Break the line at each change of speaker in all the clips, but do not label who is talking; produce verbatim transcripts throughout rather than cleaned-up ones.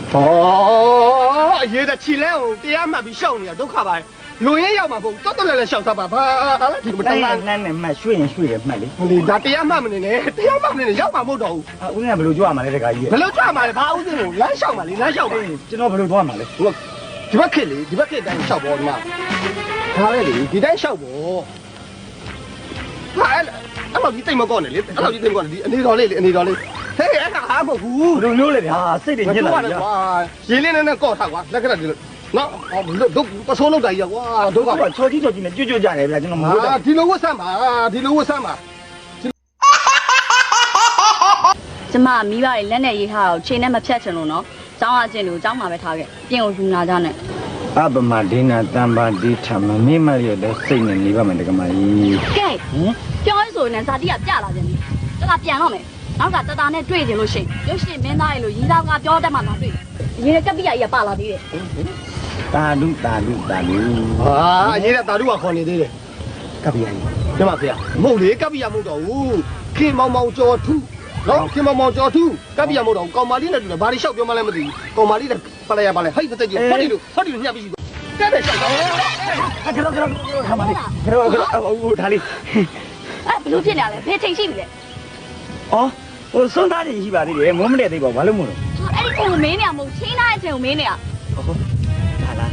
哦，爷的起来哦，这样嘛比小呢，都看吧。路也要嘛不，找到来了小啥吧？吧，你不当然。
那那买水人水人买的。
你那这样嘛么的呢？这样嘛么的呢？要嘛不到。
啊，我那不รู้做嘛嘞这个嘢。
不รู้做嘛嘞，怕我这种难小嘛，你难小嘛。
ကျွန်တော်不รู้做嘛嘞。
我，ဒီဘက်ခက်လေဒီဘက်ခက်တိုင်းရှောက်ပေါ်ဒီမှာဒါလေလေဒီတိုင်းရှောက်ပေါ်ဟာအဲ့လိုဒီတိတ်မကောနဲ့လေအဲ့လိုဒီတိတ်မကောနဲ့ဒီအနေတော်လေးလေအနေတော်လေးဟေးအဲ့ဒါဟာမဟုတ်ဘူး
ဘယ်လိုမျိုးလဲဗျာစိတ်တွေညစ်လာပြီကွာ
ရင်းလေးနဲ့နဲ့ကော့ထားကွာလက်ကလေးဒီလိုနော်တို့ပစိုးလောက်တာကြီးကွာတို့က
ချော်ကြီးချော်ကြီးနဲ့ကြွကြွကြတယ်ဗျာကျွန်တော်မဟုတ်တယ်
ဒီလိုဝတ်ဆမ်းပါဒီလိုဝတ်ဆမ်းပါ
ကျမမိဘတွေလက်နဲ့ရေးထားတော့ချိန်နဲ့မဖြတ်ချင်လို့နော်ကျောင်းအကျင့်လို့ကျောင်းမှာပဲထားခဲ့ပြင်ကိုယူနာကြနဲ့
အပမဒိနာတံပါတိထမမေ့မရတဲ့စိတ်နဲ့နေပါမယ်တကမကြီး
ကဲပြောရဆိုရင်ဇာတိကပြလာပြန်ပြီတကပြန်တော့မယ်နောက်ကတတာနဲ့တွေ့ကြလို့ရှိရင်ရုပ်ရှင်မင်းသားရဲ့လို့ရီသားကပြောတတ်မှမတွေ့အရင်ကကပ်ပိယကြီးကပါလာသေးတယ်
တာလူတာလူတာလူ
ဟာအရေးတဲ့တာတို့ကခေါ်နေသေးတယ်ကပ်ပိယကြီးကျမဖေမဟုတ်လေကပ်ပိယမဟုတ်တော့ဘူးခင်မောင်မောင်ကျော်ထူးနော်ခင်မောင်မောင်ကျော်ထူးကပ်ပိယမဟုတ်တော့ကောင်မလေးနဲ့တူတယ်ဘာတွေလျှောက်ပြောမှလည်းမသိဘူးကောင်မလေးနဲ့ပါလိုက်ရပါလေဟိတ်တဲ့ကြီးဟောဒီလိုဟောဒီလိုညှပ်ပြီးကဲတဲ့လျှောက်တော့
ကတော့ကတော့ခမလေးကတော့ကတော့ဟိုဒါလေး
အဲ့ဘလို့ဖြစ်နေရလဲဖေးချိန်ရှိပြီလေ
အော်ဟိုစွန်းသားတွေရှိပါသေးတယ်မုန်းမတဲ့သေးပါဘာလို့မို့လို့
အဲ့ဒီချိန်ကိုမင်းနေရမဟုတ်ချင်းသားရဲ့ချိန်ကိုမင်းနေရ
ဟုတ်ဒါလား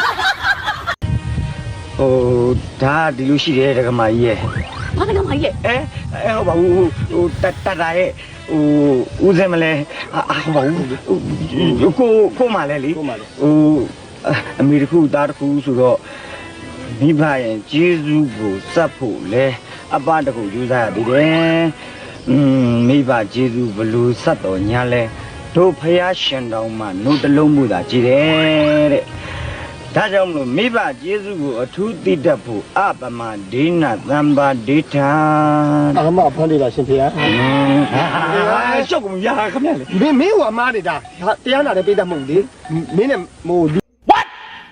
ဟိုဒါဒီလိုရှိတယ်တကမကြီးရဲ့
ဘာတကမှကြီးလေ
အဲအဲဟိုဘာဟိုဟိုတတတာရဲ့ဟိုဦးစင်မလဲအာဟိုဘာကိုကိုမလဲလေဟိုအမေတခုသားတခုဆိုတော့မိဘရဲ့ကျေးဇူးကိုစပ်ဖို့လဲအပတခုယူစားရသေးတယ်อืมမိဘကျေးဇူးဘလို့စပ်တော်ညာလဲတို့ဖယားရှင်တော်မှနှုတ်တလုံးမှုသာကြည်တယ်တဲ့ဒါကြောင့်မလို့မိဘကျေးဇူးကိုအထူးသိတတ်ဖို့အပမဒိနာသံပါဒိဋ္ဌာ
အမဖန်လေးပါရှင်ဖေဟာ
ရှောက်ကုန်ရခမရလေ
မင်းမင်းဟိုအမားနေတာတရားနာတဲ့ပိတ်တတ်မဟုတ်လေမင်းနဲ့ဟို What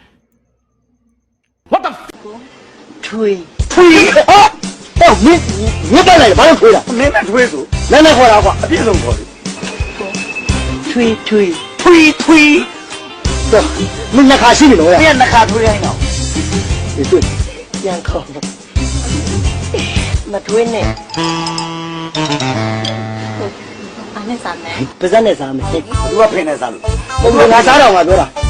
What the
ထွေး
ထွေးဟောမင်းမင်းတက်လိုက်ဘာလို့ထွေးတာ
မင်းနဲ့ထွေးဆို
နည်းနည်းခေါ်တာကွာ
အပြည့်စုံခေါ်တယ်
ထွေးထွေးထွေးထွေးတော့မင်းနှစ်ခါရှိပြီလို့ရ
ပြန်နှစ်ခါထွေးတိုင်းတော့
ဒီတွေ့ပြန်ခေါ်မထွေးနဲ့
အားနဲ့စားမယ်
ပါဇက်နဲ့စားမယ်
သူကဖိနေစားလို့
ဘုံငါစားတော့ငါပြောတာ